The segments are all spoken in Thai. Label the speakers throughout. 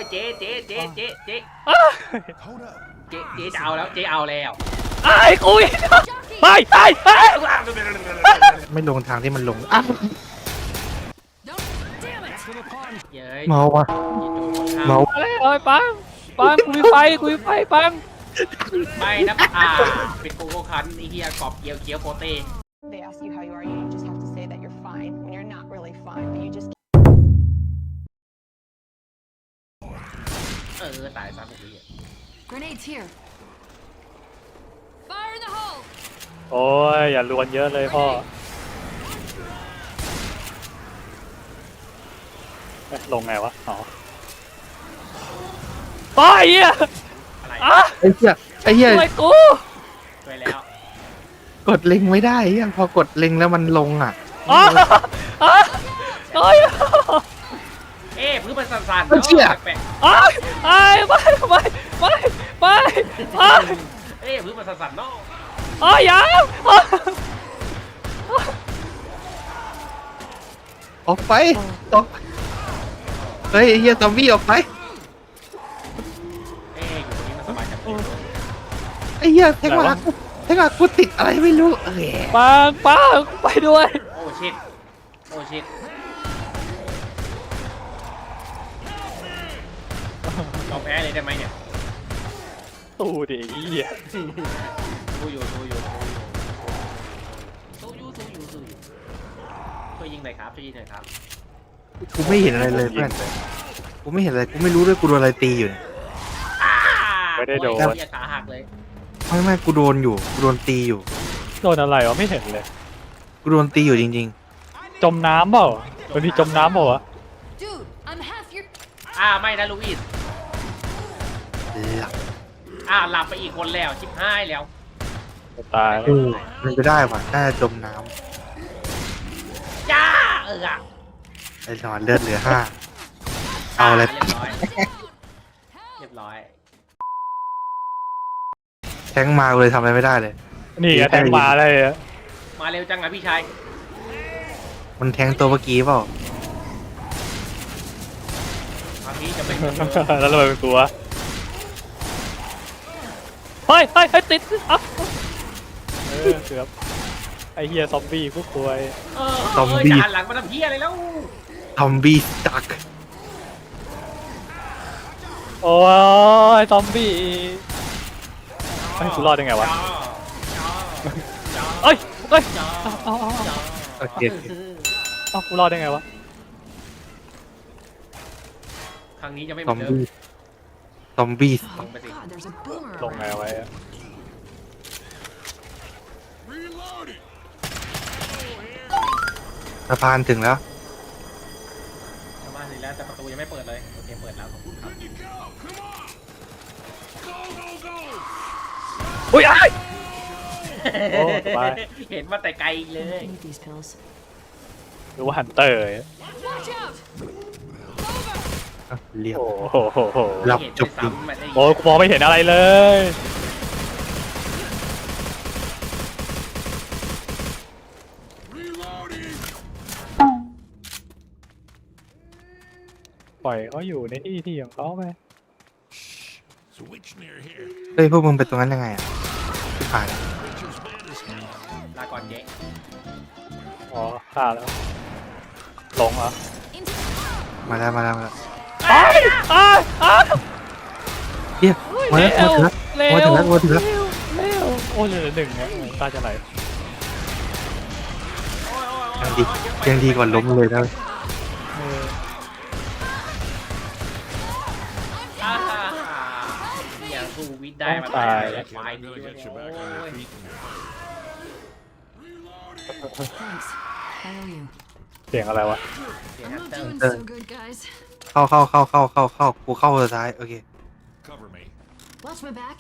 Speaker 1: เจ๊เจ๊เจ๊เจ๊เจ๊
Speaker 2: อ้าว
Speaker 1: เจ๊เจ๊จะเอาแล้วเจ๊เอาแล้ว
Speaker 2: ไอ้กูอีกไปไป
Speaker 3: ไม่ลงทางที่มันลงอ้าว
Speaker 1: เย้ย
Speaker 3: เมาวะเมา
Speaker 2: อะไรเอ้ยปังกูมีไฟปัง
Speaker 1: ไม่นะเป็นโกโก้คันไอ้เหี้ยกรอบเกียวเคี้ยวโปเต้
Speaker 4: They ask you how you are, you just have to say that you're fine when you're not really fine, but you just
Speaker 1: ตายซะพวกนี้
Speaker 5: Grenades here. Fire in the hole.
Speaker 2: โอ้ยอย่าลวนเยอะเลยพ่อลงไงวะอ๋อไปเหี้ย
Speaker 1: อะไร
Speaker 2: อ่ะ
Speaker 3: ไอ้เหี้ย
Speaker 2: ช่วยกู
Speaker 1: ช่วยแล้ว
Speaker 3: กดเล็งไม่ได้ยังพอกดเล็งแล้วมันลงอ่ะ
Speaker 2: อ๋อโอ้ย
Speaker 1: พื้นมันสั่นๆ
Speaker 3: มันเชี่ย
Speaker 1: แปลก
Speaker 2: อ้ายอ้ายไป
Speaker 1: พื้นมันสั่นๆเนาะ
Speaker 2: อ้ายยัง
Speaker 3: ออกไปออกเฮ้ยไอ้เหี้ยซอมบี้ออกไป
Speaker 1: อยู่ตรงนี้มันสบายจังเลย
Speaker 3: ไอ้เหี้ยแทงมากูติดอะไรไม่รู้
Speaker 2: ปังไปด้วย
Speaker 1: โอ้ชิตเราแพ้เลยได้ไหมเนี่ย
Speaker 2: ตู้ดิเหี้ย
Speaker 1: สู้อยู่ช่วยยิงหน่อยครับ
Speaker 3: กูไม่เห็นอะไรเลยเพื่อนกูไม่เห็นอะไรกูไม่รู้ด้วยกูโดนอะไรตีอยู่เนี่ย
Speaker 2: ไม่ได้โดน
Speaker 1: ขาหักเลย
Speaker 3: ไม่กูโดนอยู่กูโดนตีอยู่
Speaker 2: โดนอะไรวะไม่เห็นเลย
Speaker 3: กูโดนตีอยู่จริง
Speaker 2: จมน้ำเปล่าวันนี้จมน้ำเปล่าวะ
Speaker 5: Dude, I'm half your.
Speaker 1: ไม่นะลูอิส
Speaker 3: ๆหลับ
Speaker 1: หลับไปอีกคนแล้วชิบหายแล้ว
Speaker 2: ตายแล้ว
Speaker 3: มันจะได้ป่ะน่าจะจมน้
Speaker 1: จ้า
Speaker 3: ำไอ้นอนเลือดเหลือ5เอาอะไร
Speaker 1: เรียบร้อย
Speaker 3: แทงมากูเลยทำอะไรไม่ได้เลย
Speaker 2: นี่แทงมาเลยอะ
Speaker 1: มาเร็วจังอะพี่ชาย
Speaker 3: มันแทงตัวเมื่อกี้เปล่า
Speaker 1: คราวนี้จะเป็น
Speaker 2: แล้วทำไมเป็นกูวะเฮ้ยติดอ่ะเกือบไอเฮียซอมบี้พวกควย
Speaker 1: จะหันหลังมาทำเพี้ยอะไรแล้ว
Speaker 3: ซอมบี้สตั๊ก
Speaker 2: โอ้ยซอมบี้ไอ้กูรอดยังไงวะเอ้ยเอา
Speaker 3: โอเค
Speaker 2: กูรอดได้ไงวะ
Speaker 1: ครั้งนี้จะไม่เห
Speaker 3: ซ
Speaker 1: มื
Speaker 3: อ
Speaker 1: อน
Speaker 3: ม
Speaker 1: เดิม
Speaker 3: บี้ซอมบี้
Speaker 5: Oh God, there's a boomer.
Speaker 2: ลงไงไว้อะ
Speaker 3: สะพานถึงแล้ว
Speaker 1: ชาวบ้านสิแล้วแต่ประตูยังไม่เปิดเลยโอเคเปิดแล้วขอบคุณครับ
Speaker 2: อุ้ยไอ้โอ้สบาย
Speaker 1: เห็นมาแต่ไกลเลย
Speaker 5: I need these pills.
Speaker 2: หรือว่าฮันเตอร์
Speaker 5: Watch out!
Speaker 3: เรียบ
Speaker 2: โอ้โห
Speaker 3: หลับ
Speaker 1: เห็น
Speaker 3: จุก
Speaker 1: ด้วย
Speaker 3: ดิ
Speaker 1: ซ้ำมันได้
Speaker 2: โอ้กูมองไม่เห็นอะไรเลย ปล่อยเขาอยู่ในที่ของเขาไป
Speaker 3: เฮ้ยพวกมึงไปตรงนั้นยังไงอ่ะที่ผ่าน
Speaker 1: ลาก่อนเจ๊
Speaker 2: อ๋อฆ่าแล้วหลงเหรอ
Speaker 3: มาแล้ว
Speaker 2: อ้าย
Speaker 3: เฮียมาแล้วมาถึงแล้ว
Speaker 2: เร็วโอ้ยเหลือหนึ่งเนี่ยตาจะไหล
Speaker 3: ยังดีกว่าล้มเลยนะ
Speaker 1: เนี่ยสู้วิทย์ได้มาตายแล้วควายดีด้วยโอ้ย
Speaker 5: Thanks. How are you?
Speaker 2: เสียงอะไรวะ
Speaker 1: เสียง
Speaker 5: I'm
Speaker 1: ฮัน
Speaker 5: not
Speaker 1: เตอร์
Speaker 5: doing so good, guys.
Speaker 3: เข้ากูเข้าสุดท้ายโอเค
Speaker 5: Watch my back.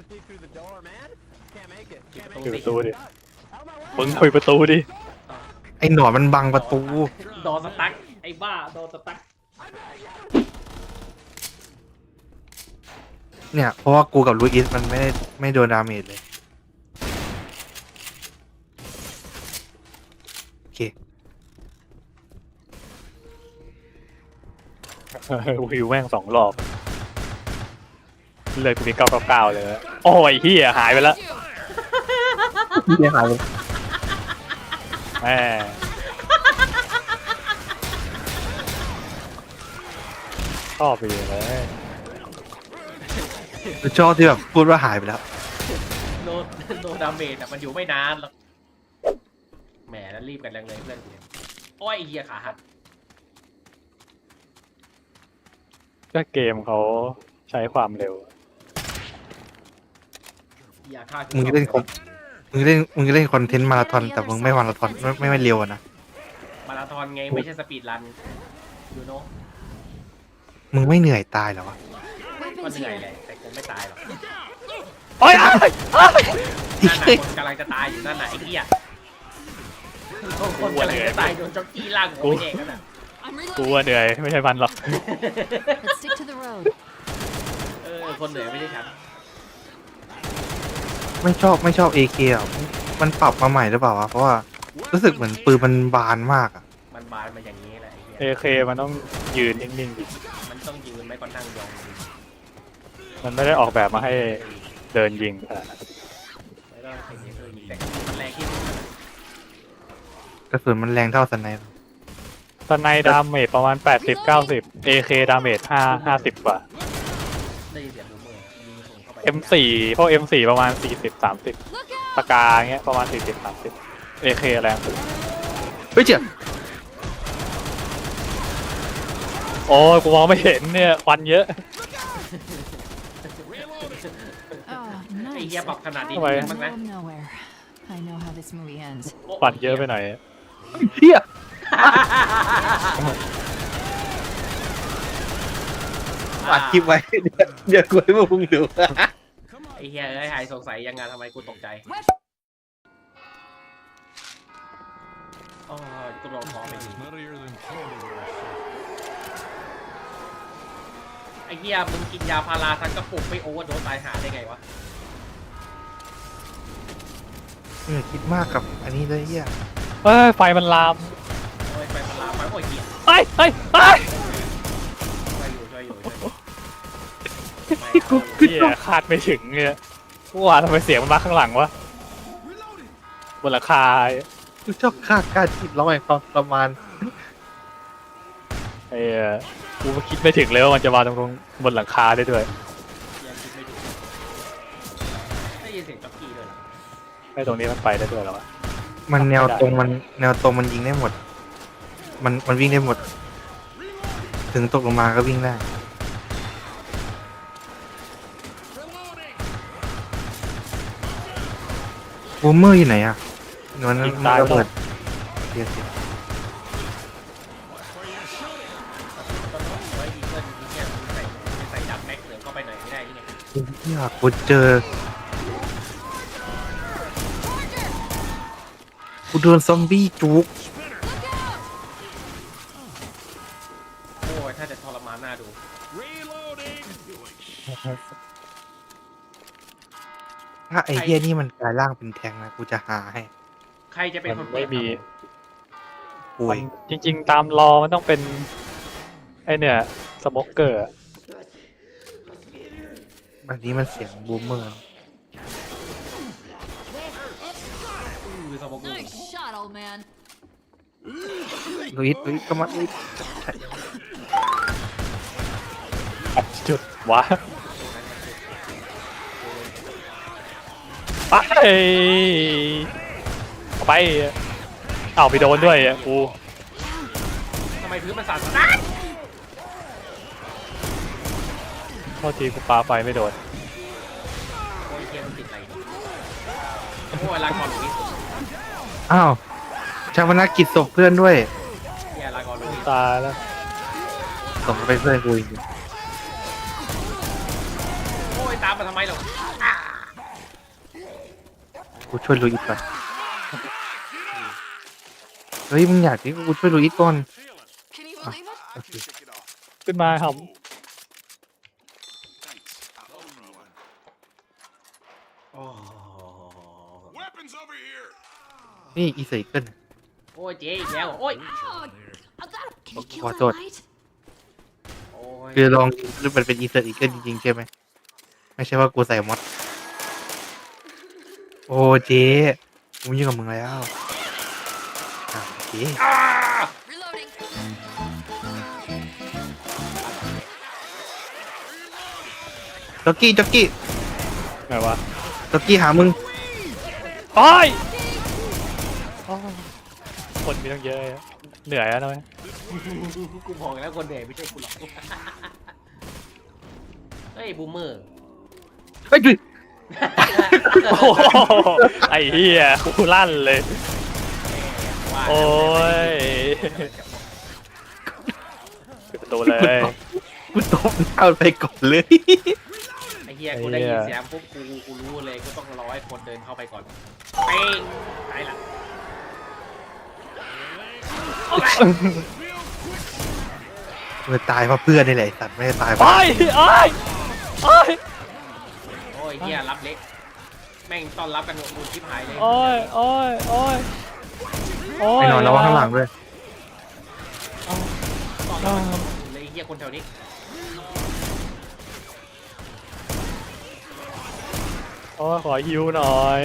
Speaker 2: ปิดประตูดิมึงปิดประตูดิ
Speaker 3: ไอ้หนอนมันบังประตู
Speaker 1: โดนสตั๊กไอ้บ้าโดนสตั๊ก
Speaker 3: เนี่ยเพราะว่ากูกับลูอิสมันไม่โดนดาเมจเลยโอเค
Speaker 2: วิวแม่ง2 รอบเลยกูมี999เลยโอ้ยเฮียหายไปแล้ว
Speaker 3: เหี้ยหายไป
Speaker 2: แม่ชอบไปเลย
Speaker 3: ชอบที่แบบพูดว่าหายไปแล้ว
Speaker 1: โนโนดาเมจแต่มันอยู่ไม่นานหรอกแหมแล้วรีบกันแรงเลยเพื่อนกูเนี่ยโอ้ยไอ้เหี้ยขาหัก
Speaker 2: ก็เกมเขาใช้ความเร็ว
Speaker 1: อย่าฆ่ากู
Speaker 3: มึงเล่นคอมมึงเล่นคอนเทนต์มาราธอนแต่มึงไม่มาราธอนไม่เร็วอะนะ
Speaker 1: มาราธอนไงไม่ใช่สปีดรันยูโน่
Speaker 3: มึงไม่เหนื่อยตายเหรอวะ
Speaker 1: ก็
Speaker 5: Weapons
Speaker 1: เหนื่อย
Speaker 5: here.
Speaker 1: แหละแต่คงไม่ตายหรอก
Speaker 2: โอ้ยอ้ายอ้าย
Speaker 1: นั่นน่ะคนกำลังจะตายอยู่นั่นน่ะไอ้เหี้ยคนกำลังจะตายโดนจ็อกกี้ลากหัวไปเด็กนั่นน่ะ
Speaker 5: I'm
Speaker 2: กู
Speaker 5: reloading.
Speaker 2: ว่าเหนื่อยไม่ใช่มันหรอก
Speaker 5: Let's stick to the road.
Speaker 1: คนเหนื่อยไม่ใช่ฉัน
Speaker 3: ไม่ชอบ AK อ่ะมันปรับมาใหม่หรือเปล่าวะเพราะว่ารู้สึกเหมือนปืนมันบานมากอ่ะ
Speaker 1: มันบานมาอย่างนี้แหละไอ้เหี้ย
Speaker 2: AK มันต้องยืนนิ่งๆดิ
Speaker 1: มันต้องยืนไม่ก็นั่งยอง
Speaker 2: มันไม่ได้ออกแบบมาให้เดินยิงขนาดนั้น
Speaker 1: ไม่ต้องใช้เยอะแต่มันแรงที่สุด
Speaker 3: กระสุนมันแรงเท่าสไนป์
Speaker 2: สไนดาเมจประมาณ80-90 AK ดาเมจ50กว่า
Speaker 1: ได้ยินเสียงบูมเมอร์ยิงส่งเข้าไป
Speaker 2: M4 พวก M4 ประมาณ40-30
Speaker 5: Look
Speaker 2: ปา
Speaker 5: out!
Speaker 2: กาเงี้ยประมาณ40-30 AK แรงสุด
Speaker 3: เฮ้ยเจ๋อ
Speaker 2: โอ้ยกูมองไม่เห็นเนี่ยควันเยอะ
Speaker 5: Oh,
Speaker 1: ไอ้
Speaker 5: nice.
Speaker 1: เหี้ยปรับขนาดนี้
Speaker 2: ทำไม
Speaker 1: บ้างนะ
Speaker 5: Middle of nowhere. I know how this movie ends.
Speaker 2: ควันเยอะไปหน่อย
Speaker 3: เฮีย อัดคลิปไว้เดี๋ยวกูให้พวกมึงดู
Speaker 1: ไอ้เหี้ยเอ้ยหายสงสัยยังไงทำไมกูตกใจอ๋อกูลองท้องไปทีไอ้เหี้ยมึงกินยาพาราทั้งกระปุกไม่โอเวอร์โดสตายหาได้ไงวะ
Speaker 3: คิดมากกับอันนี้เลยเฮีย
Speaker 2: เอ้ยไฟมันลาม
Speaker 1: โอ้ยไปพาราไปโอ้ยเหี้ย
Speaker 2: เฮ้ยเฮ้ยเฮ้ย
Speaker 1: ช่วยอยู่ช่วยอยู่
Speaker 2: เหี้ยคาดไม่ถึงเนี่ยว่าทำไมเสียงมันมาข้างหลังวะบนหลังคา
Speaker 3: กูชอบค่าการจิตร้องแห่งความประมาณ
Speaker 2: ไอ้กูคิดไม่ถึงเลยว่ามันจะมาตรงบนหลังคาได้ด้วย
Speaker 1: ยังคิดไม่ถูกได้ยินเสียงจ็อกกี้ด้วยเหรอ
Speaker 2: ไอ้ตรงนี้มันไปได้ด้วยเหรอวะ
Speaker 3: มันแนวตรงมันยิงได้หมด มันวิ่งได้หมด ถึงตกลงมาก็วิ่งได้บูมเมอร์อยู่ไหนอ่ะมันระเบิดเสีย
Speaker 1: ต้องไว้อีเกิลเนี่ยใส่ดับแม็กเหลืองเข้าไปหน่อยไม่ได้ยังไง
Speaker 3: อยากกูเจอกูโดนซอมบี้จุก
Speaker 1: โอ้ยถ้าจะทรมานน่าดู
Speaker 3: ถ้าไอ้เหี้ยนี่มันกลายร่างเป็นแทงนะกูจะหาให้
Speaker 1: ใครจะเป็น
Speaker 2: มั
Speaker 1: คน น
Speaker 2: ไม่มี
Speaker 3: ป่วย
Speaker 2: จริงๆตามรอมันต้องเป็นไอเนี่ยสโมกเกอร์
Speaker 3: อันนี้มันเสียงบูมเมอร์
Speaker 1: คือสมองกู
Speaker 5: Nice shot, old man.
Speaker 3: ลุยก็มาลุย
Speaker 2: จุดวะไปเอาไปเอาไปโดนด้วยกู
Speaker 1: ทำไมพื้นมันสั่นนะ
Speaker 2: โทษทีกูปาไฟไม่โดน
Speaker 1: โอ้ยเทียนมันติดอะไรโอ้ยลาก่อนลุย
Speaker 3: อ้าวชาวนากิจศพเพื่อนด้วย
Speaker 1: เฮียลาก่อนลุย
Speaker 2: ตายแล้ว
Speaker 3: ส่งไปเพื่อนกูอีก
Speaker 1: โอ้ยตามมาทำไมหรอ
Speaker 3: กูช่วยลุยอีกก่อนเฮ้ยมึงอยากที่กูช่วยลุยอีกก่อน
Speaker 5: Can you believe it?
Speaker 3: โอเค
Speaker 2: ขึ้นมาครับ
Speaker 1: โอ้
Speaker 3: นี่อีเซอร์เกิล
Speaker 1: โอ้ยเจ๊อีกแล้วโอ้ย
Speaker 5: Ow! I got Can you kill
Speaker 3: What
Speaker 5: that
Speaker 3: the-
Speaker 5: light?
Speaker 1: โอ้ย
Speaker 3: คือลองมันเป็นอีเซอร์อีเกิลจริงๆใช่ไหมไม่ใช่ว่ากูใส่มอดโอ้เจ๊กูยุ่งกับมึงแล้วเจ๊
Speaker 5: Reloading.
Speaker 3: จ็อกกี้จ็อกกี้
Speaker 2: ไงวะ
Speaker 3: จ็อกกี้หามึง
Speaker 2: โอ้ยโอ้ยคนมีต้องเยอะอะเหนื่อยแล้วนะเว้ย
Speaker 1: กูบอกแล้วคนเหนื่อยไม่ใช่กูหรอก เฮ้ยบูมเมอร์
Speaker 3: เฮ้ยจุย
Speaker 2: โอ้โหไอ้เหี้ยกูลั่นเลย
Speaker 1: ว่า
Speaker 2: โอ้ยปิดประตูเลย
Speaker 3: กูตบหน้ามันไปก่อนเลย
Speaker 1: ไอ้เหี้ยกูได้ยินเสียงปุ๊บกูรู้เลยกูต้องรอให้คนเดินเข้าไปก่อนเป้งตายละ
Speaker 3: มันตายเพราะเพื่อนนี่แหละไอ้สัตว์ไม่ได้ตายเพราะ
Speaker 2: โอ้ยโอ้ยโอ้ย
Speaker 1: โอ้ยเหี้ยรับเล็กแม่งต้อนรับกันมูชิบหายเลย
Speaker 2: โอ้ยโอ้ยโอ้ยโอ้ย
Speaker 3: ไม่นอนแล้วว่าข้างหลังด้วย
Speaker 1: ต้อนรับกันเลยไอ้เหี้ยคนแถวนี้
Speaker 2: โอ้ยขอฮิวหน่อย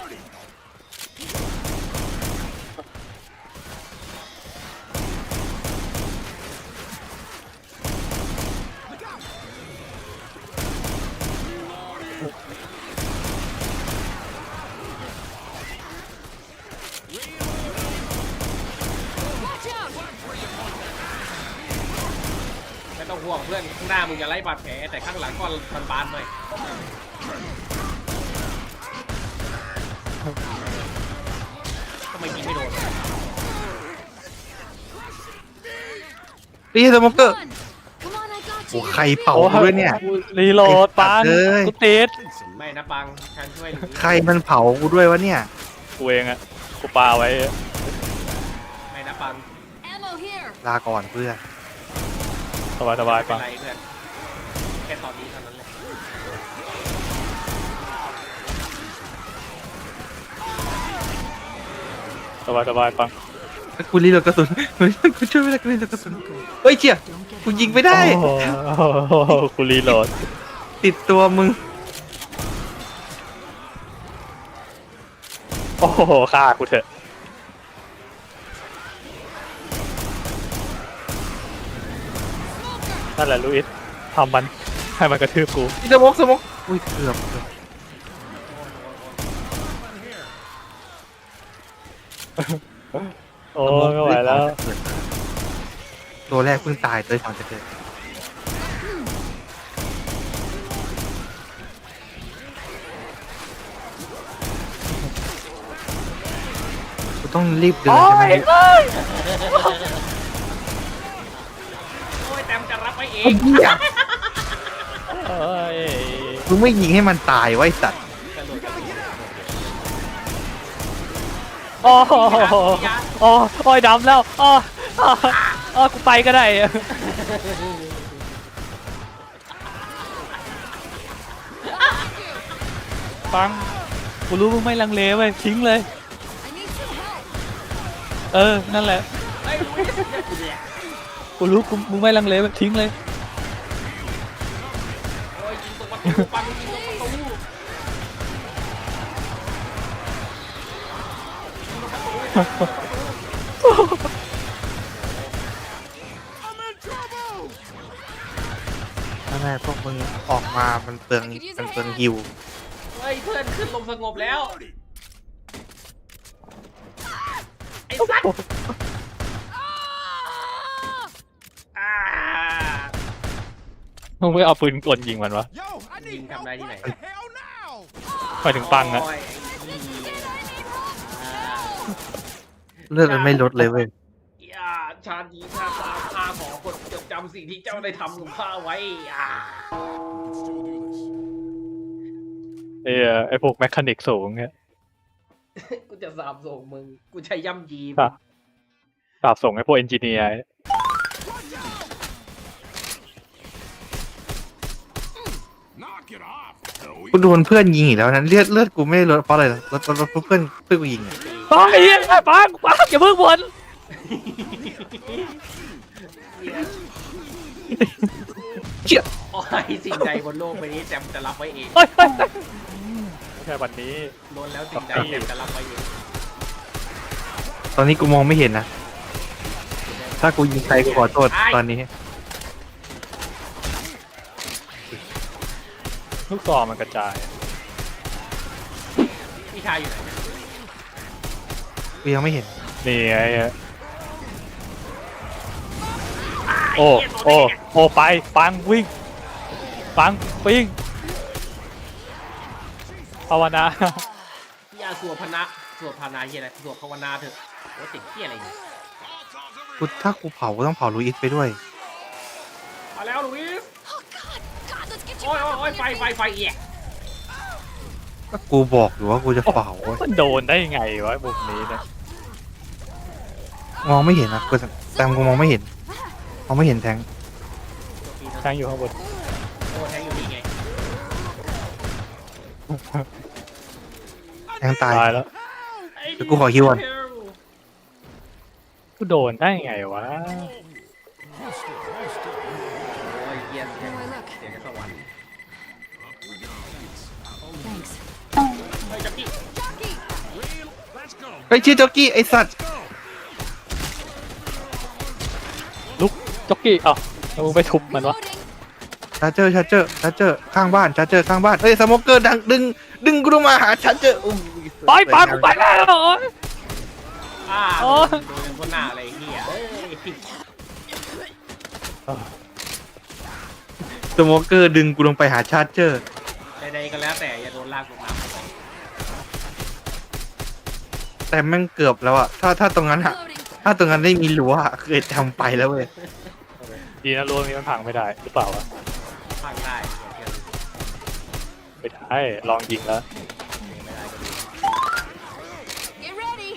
Speaker 1: ไม่ต้องห่วงเพื่อนข้างหน้ามึงอย่าไล่บาดแผลแต่ข้างหลังก็บานๆหน่อยทำไมยิงไม่โดน
Speaker 3: นี่สโมเกอร์
Speaker 5: Come on, I got
Speaker 3: โอ้
Speaker 5: you.
Speaker 3: ใครเผากูด้วยเนี่ย
Speaker 2: รีโหลดปัง
Speaker 3: ไอ้สัตว์เอ้ย
Speaker 2: กูติด
Speaker 1: ไม่นะปังฉันช่วยหรือ
Speaker 3: ใครมันเผากูด้วยวะเนี่ย
Speaker 2: กูเองอะกูปาไว้
Speaker 1: ไม่นะปัง
Speaker 5: Ammo here.
Speaker 3: ลาก่อนเพื่อน
Speaker 2: สบายสบาย
Speaker 1: ไม่เป็
Speaker 2: ปั
Speaker 1: น
Speaker 2: ง
Speaker 1: ไรเพื่อนแค่ตอนนี้เท่านั้นแหละ
Speaker 2: สบายสบายปัง
Speaker 3: กูรีโหลดกระสุนกูช่วยไม่ได้กูรีโหลดกระสุนเฮ้ยเจี๊ย
Speaker 5: Don't get
Speaker 3: กูยิงไม่ได้
Speaker 2: โอ้โหกูรีโหลด
Speaker 3: ติดตัวมึง
Speaker 2: โอ้โหฆ่ากูเถอะนั่นแหละลูอิสทำมันให้มันกระทืบกู
Speaker 3: นี่สโมกสโมกอุ้ยเกือบ
Speaker 2: โอ้ยไม่ไหวแล้ว
Speaker 3: ตัวแรกเพิ่งตายตัวที่สองจะเกิดกูต้องรีบเดิน
Speaker 2: โอ้
Speaker 3: ใช่ไหม
Speaker 2: ยเอ้ย
Speaker 1: โอ้ยแต้มจะรับไว้เอ
Speaker 3: ไอ้
Speaker 1: ง
Speaker 3: เหี้ย
Speaker 2: เอ้ย
Speaker 3: มึงไม่ยิงให้มันตายไว้สัตว์
Speaker 1: กระโดดกระโดด
Speaker 2: โอ้โหโอ้โอ้ยดำแล้วอ๋ออ๋อกูไปก็ได้ปังกูรู้มึงไม่ลังเลเว้ยทิ้งเลย
Speaker 5: I need some help.
Speaker 2: เออนั่นแหละ
Speaker 1: เฮ้ยลุยเนี่ย
Speaker 2: กูรู้กูมึงไม่ลังเลเว้ยทิ้งเลย
Speaker 1: โอ้ยยิงตรงประตูปังยิงตรงประตู
Speaker 3: นั่นแหละพวกมึงออกมามันเปลืองฮิว
Speaker 1: เฮ้ยเพื่อนขึ้นลมสงบแล้วไอ้สัตว์อ่า
Speaker 2: มึงไม่เอาปืนกลยิงมันวะ
Speaker 1: ยิงทำได้ที่ไหน
Speaker 2: ไปถึงปังอะ
Speaker 1: โยไอ้นี่อ่า
Speaker 3: เลือดมันไม่ลดเลยเว้ย
Speaker 1: อย่าชาดีชาตาข้าขอคนจดจำสิ่งที่เจ้าได้ทำกับข้าไว้อ่า
Speaker 2: ไอพวกแมคานิกสูงเนี่ย
Speaker 1: กูจะสาบส่งมึง กูใช้ย่ำยี
Speaker 2: ครับ สาบส่งไอพวกเอนจิเนียร์
Speaker 3: กูโดนเพื่อนยิงอีกแล้วนะเลือดกูไม่ได้ลดเพราะอะไรลดเพราะเพื่อนกูยิงอะ
Speaker 2: ปังไอ้เหี้ยปังอย่าเพิ่งบ่น
Speaker 3: เจี๊ย
Speaker 1: โอ้อ้ยสิ่งใดบนโลกใบนี้แจมจะรับไว้เอง
Speaker 2: เฮ้ยเฮ้ยไม่ใช่วันนี้
Speaker 1: ล้วนแล้วสิ่งใดแจมจะรับไว้เอง
Speaker 3: ตอนนี้กูมองไม่เห็นนะ ถ้ากูยิงใครกูขอโทษตอนนี้
Speaker 2: ลูกซองมันกระจาย
Speaker 1: พี่ชายอยู่ไหนเนี่ย
Speaker 3: กูยังไม่เห็น
Speaker 2: นี่ไงโอ้โอ้โอ้ไปปังวิ่งปังวิ่งภาวนา
Speaker 1: พี่อาสวดพนะสวดพานาเฮียอะไรสวดภาวนาเถอะโอ้ติดเฮียอะไรเนี่ย
Speaker 3: ถ้ากูเผาก็ต้องเผาลุยส์ไปด้วย
Speaker 1: มาแล้วลุยส์
Speaker 5: Oh God! God, let's get you
Speaker 1: โอ้ย
Speaker 5: back
Speaker 1: โอ้ย
Speaker 5: up
Speaker 1: ไฟ
Speaker 5: on your
Speaker 1: ไฟ
Speaker 5: feet.
Speaker 1: ไฟเอีย
Speaker 3: ก็กูบอกอยู่ว่ากูจะเผา
Speaker 2: มันโดนได้ยังไงวะมุมนี้เนี่ย
Speaker 3: มองไม่เห็นนะกูแต่กูมองไม่เห็น มองไม่เห็นแทง
Speaker 2: แทงอยู่ข้างบน
Speaker 1: โอ้แทงอยู่นี่ไง
Speaker 3: แทงตาย
Speaker 2: ตายแล้ว
Speaker 3: เดี๋ยวกูขอฮิวก่อน
Speaker 2: กูโดนได้ยังไงวะ
Speaker 1: โอ้ยเฮียเสียงเสียงจากสวรรค์
Speaker 5: Thanks.
Speaker 1: เฮ้ยจับพี่
Speaker 5: Jockey!
Speaker 3: ไอ้ยชื่อจ็อกกี้ไอ้สัตว์
Speaker 2: ลุกจ็อกกี้เอ้าแล้วมึงไปทุบมันวะ
Speaker 5: Reloading.
Speaker 3: ชาร์เจอร์ข้างบ้านชาร์เจอร์ข้างบ้านเอ้ยสโมเกอร์ดึงกูลงมาหาชาร์เจอร์อุ้ย
Speaker 2: ไปปังกูไปแล้วโอ๊ย
Speaker 1: อ่า
Speaker 2: โอ้ย
Speaker 1: โดนกันบนหน้าอะไรเฮียเอ้ย
Speaker 3: สโมเกอร์ดึงกูลงไปหาชาร์เจอร์
Speaker 1: ใดๆก็แล้วแต่อย่าโดนลากลงน้ำ
Speaker 3: แต่แม่งเกือบแล้วอะถ้าตรงนั้นอะ
Speaker 5: Reloading.
Speaker 3: ถ้าตรงนั้นได้มีรั้วอะเคยทำไปแล้วเว้ย
Speaker 2: ดีนะรั้วนี้มันพังไม่ได้หรือเปล่าวะ
Speaker 1: พังได้เฮียเชื่อ
Speaker 2: ไม่ได้ลองยิงแล้ว
Speaker 1: ไม่ได้ก็ดี
Speaker 5: Get ready.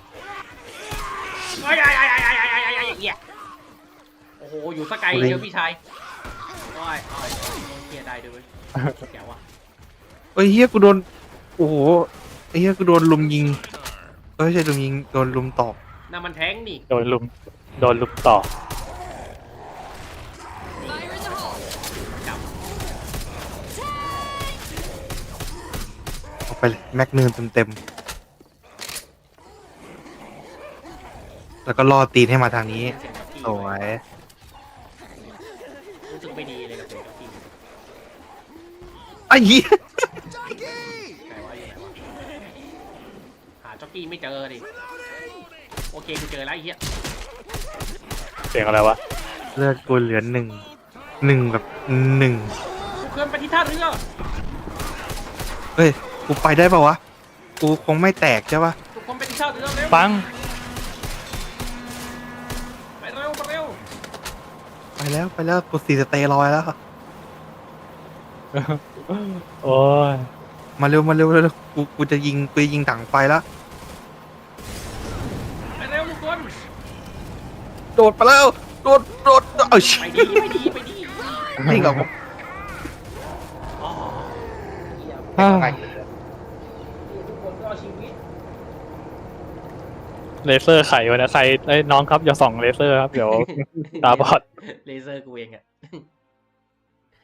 Speaker 1: โอ้ยเฮียโอ้โหอยู่สกายเดียวพี่ชายโอ้ยเฮียได้ด้วยแกว่ะ
Speaker 3: เอ้ยเฮียกูโดนโอ้โหไอ้เฮียกูโดนลุมยิงไม่ใช่ลุมยิงโดนลุมตอก
Speaker 1: นั่นมันแทงนี่
Speaker 2: โดนลุมต่อ
Speaker 5: Fire in the hole.
Speaker 1: จับ
Speaker 3: เอาไปเลยแม็กนึงเต็มแล้วก็ล่อตีนให้มาทางนี้
Speaker 1: เสียงกับพี่
Speaker 3: สวย
Speaker 1: รู้สึกไม่ดีเลยกับเสียงกับพี่
Speaker 3: ไอ้เหี้ย
Speaker 1: ไหนวะอยู่ไหนวะหาจ็อกกี้ไม่เจอดิโอเคกูเจอแล้วไอ้เหี้ย
Speaker 2: เสียงอะไรวะ
Speaker 3: เลือดกูเหลือหนึ่งแบบหนึ่ง
Speaker 1: กูเคลื่อนไปที่ท่าเรือ
Speaker 3: เฮ้ยกูไปได้ปะวะกูคงไม่แตกใช่ปะ
Speaker 1: ทุกคนไปที่ท่าเรือเร็ว
Speaker 2: ปัง
Speaker 1: ไปเร็วไปเร็ว
Speaker 3: ไปแล้วกู4 สเตรอยด์แล้ว
Speaker 2: โอ้ย
Speaker 3: มาเร็วกูจะยิงถังไฟแล้ว
Speaker 1: ไปเร็วทุกคน
Speaker 3: โดดไปแล้วโดดเอาชิ
Speaker 1: ไปดี
Speaker 3: นี่กับ
Speaker 1: อ๋อเหี้ย
Speaker 3: ไป
Speaker 1: ทุกคนก็เอาชีวิต
Speaker 2: เลเซอร์ไขวะนะใครไอ้ยน้องครับอย่าส่องเลเซอร์ครับเดี๋ยวตาบอด
Speaker 1: เลเซอร์กูเองอะ